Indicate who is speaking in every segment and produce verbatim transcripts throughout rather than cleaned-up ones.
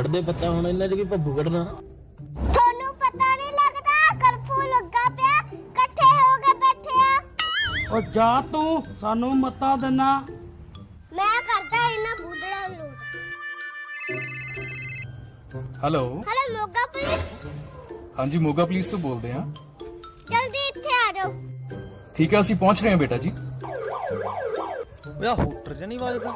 Speaker 1: ਕੱਢਦੇ ਪੱਤਾ ਹੁਣ ਇਹਨਾਂ 'ਚ ਕੀ ਭੱਬੂ ਕੱਢਣਾ।
Speaker 2: ਤੁਹਾਨੂੰ ਪਤਾ ਨਹੀਂ ਲੱਗਦਾ ਕਰਫਿਊ ਲੱਗਾ ਪਿਆ, ਇਕੱਠੇ ਹੋ ਕੇ ਬੈਠੇ ਆ।
Speaker 3: ਉਹ ਜਾ ਤੂੰ ਸਾਨੂੰ ਮੱਤਾ ਦਿਨਾ।
Speaker 2: ਮੈਂ ਕਰਦਾ ਇਹਨਾਂ ਬੂਦੜਾ ਨੂੰ।
Speaker 4: ਹੈਲੋ
Speaker 2: ਹਲੋ ਮੋਗਾ ਪੁਲਿਸ,
Speaker 4: ਹਾਂਜੀ ਮੋਗਾ ਪੁਲਿਸ ਤੋਂ ਬੋਲਦੇ ਹਾਂ।
Speaker 2: ਜਲਦੀ ਇੱਥੇ ਆ ਜਾਓ।
Speaker 4: ਠੀਕ ਹੈ ਅਸੀਂ ਪਹੁੰਚ ਰਹੇ ਹਾਂ ਬੇਟਾ ਜੀ।
Speaker 1: ਯਾ ਹੂਟਰ ਚ ਨਹੀਂ ਵੱਜਦਾ।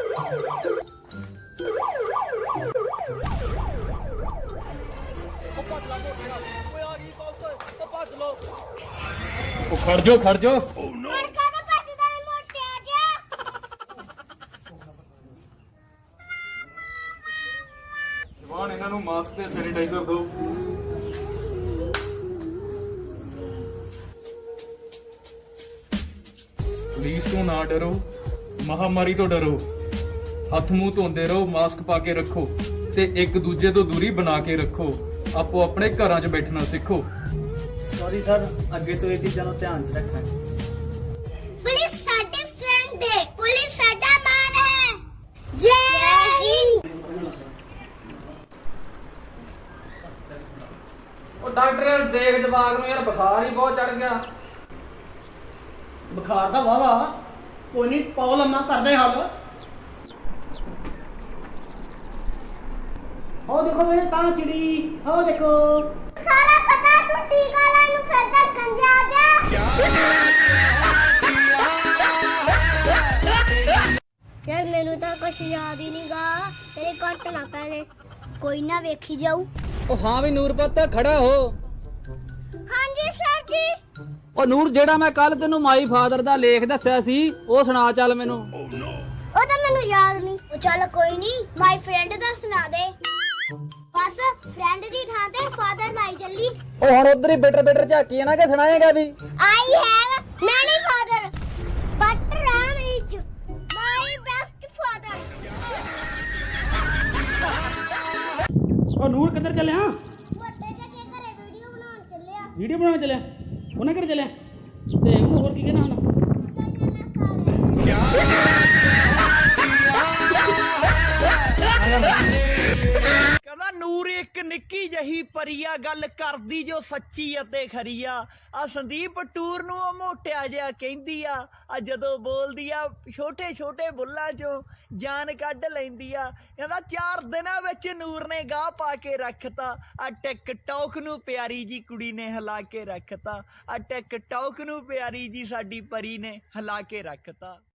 Speaker 4: ਉਹ ਖੜ ਜਾਓ ਖੜ ਜਾਓ।
Speaker 2: ਹੁਣ ਕਾਹਦਾ ਭੱਜਦਾ ਏ ਮੋਟਿਆ ਜਿਹਾ?
Speaker 4: ਜਵਾਨ ਇਹਨਾਂ ਨੂੰ ਮਾਸਕ ਤੇ ਸੈਨੀਟਾਈਜ਼ਰ ਦਿਓ। ਪੁਲਿਸ ਤੋਂ ਨਾ ਡਰੋ, ਮਹਾਮਾਰੀ ਤੋਂ ਡਰੋ। ਹੱਥ ਮੂੰਹ ਧੋਂਦੇ ਰਹੋ, ਮਾਸਕ ਪਾ ਕੇ ਰੱਖੋ ਤੇ ਇੱਕ ਦੂਜੇ ਤੋਂ ਦੂਰੀ ਬਣਾ ਕੇ ਰੱਖੋ। ਆਪੋ ਆਪਣੇ ਘਰਾਂ 'ਚ ਬੈਠਣਾ ਸਿੱਖੋ।
Speaker 3: ਸੌਰੀ ਸਰ, ਅੱਗੇ ਤੋਂ ਇਹ ਚੀਜ਼ਾਂ ਨੂੰ ਧਿਆਨ 'ਚ ਰੱਖਾਂਗੇ।
Speaker 2: ਪੁਲਿਸ ਸਾਡੇ ਫਰੈਂਡ ਹੈ, ਪੁਲਿਸ ਸਾਡਾ ਮਾਣ ਹੈ। ਜੈ ਹਿੰਦ।
Speaker 1: ਉਹ ਡਾਕਟਰ ਦੇਖ ਜਵਾਗ ਨੂੰ ਯਾਰ ਬੁਖਾਰ ਹੀ ਬਹੁਤ ਚੜ ਗਿਆ।
Speaker 5: ਬੁਖਾਰ ਦਾ ਵਾਵਾ ਕੋਈ ਨਹੀਂ, ਪਾਓ ਲੰਮਾ ਕਰਦੇ ਹੱਲ। ਹੋ ਦੇਖੋ ਮੇਰੇ ਤਾਂ ਚਿੜੀ, ਹੋ ਦੇਖੋ।
Speaker 2: ਸਾਰਾ ਪਤਾ ਤੂੰ ਟੀਕਾ ਲਾਉਣ ਨੂੰ ਫਿਰਦਾ ਗੰਜਾ ਜਿਹਾ। ਯਾਰ ਮੈਨੂੰ ਤਾਂ ਕੁਛ ਯਾਦ ਹੀ ਨਹੀਂਗਾ, ਤੇਰੇ ਕੱਟ ਨਾ ਪਹਿਲੇ ਕੋਈ ਨਾ ਵੇਖੀ ਜਾਊ।
Speaker 6: ਉਹ ਹਾਂ ਵੀ ਨੂਰਪਤ ਖੜਾ ਹੋ।
Speaker 2: ਹਾਂਜੀ ਸਰ ਜੀ।
Speaker 6: ਉਹ ਨੂਰ, ਜਿਹੜਾ ਮੈਂ ਕੱਲ ਤੈਨੂੰ ਮਾਈ ਫਾਦਰ ਦਾ ਲੇਖ ਦੱਸਿਆ ਸੀ ਉਹ ਸੁਣਾ ਚੱਲ ਮੈਨੂੰ।
Speaker 2: ਉਹ ਤਾਂ ਮੈਨੂੰ ਯਾਦ ਨਹੀਂ। ਉਹ ਚੱਲ ਕੋਈ ਨਹੀਂ, ਮਾਈ ਫਰੈਂਡ ਦਾ ਸੁਣਾ ਦੇ। ਬਸ ਫਰੈਂਡ ਦੀ ਥਾਂ ਤੇ ਫਾਦਰ ਲਾਈ ਚੱਲੀ।
Speaker 6: ਉਹ ਹੁਣ ਉਧਰ ਹੀ ਬਿਟਰ ਬਿਟਰ ਝਾਕੀ ਜਾਣਾ ਕਿ ਸੁਣਾਏਗਾ ਵੀ।
Speaker 2: I have many father, but Ram is my best father.
Speaker 3: ਉਹ ਨੂਰ ਕਿੱਧਰ ਚੱਲਿਆ?
Speaker 2: ਵੱਡੇ ਚਾਚੇ ਘਰੇ ਵੀਡੀਓ ਬਣਾਉਣ ਚੱਲਿਆ।
Speaker 3: ਵੀਡੀਓ ਬਣਾਉਣ ਚੱਲਿਆ? ਉਹਨਾਂ ਘਰ ਚੱਲਿਆ ਤੇ ਉਹਨੂੰ ਹੋਰ ਕੀ ਕਹਿਣਾ ਹੁਣ?
Speaker 7: ਕਹਿੰਦਾ ਨੂਰ ਇੱਕ ਨਿੱਕੀ ਜਹੀ ਪਰੀਆ, ਗੱਲ ਕਰਦੀ ਜੋ ਸੱਚੀ ਅਤੇ ਖਰੀਆ। ਆ ਸੰਦੀਪ ਟੂਰ ਨੂੰ ਉਹ ਮੋਟਿਆ ਜਿਹਾ ਕਹਿੰਦੀ ਆ, ਆ ਜਦੋਂ ਬੋਲਦੀ ਆ ਛੋਟੇ ਛੋਟੇ ਬੁੱਲਾਂ ਚੋਂ ਜਾਨ ਕੱਢ ਲੈਂਦੀ ਆ। ਕਹਿੰਦਾ ਚਾਰ ਦਿਨਾਂ ਵਿੱਚ ਨੂਰ ਨੇ ਗਾਹ ਪਾ ਕੇ ਰੱਖਤਾ। ਆ ਟਿਕਟੌਕ ਨੂੰ ਪਿਆਰੀ ਜੀ ਕੁੜੀ ਨੇ ਹਿਲਾ ਕੇ ਰੱਖਤਾ। ਆ ਟਿਕਟੌਕ ਨੂੰ ਪਿਆਰੀ ਜੀ ਸਾਡੀ ਪਰੀ ਨੇ ਹਿਲਾ ਕੇ ਰੱਖਤਾ।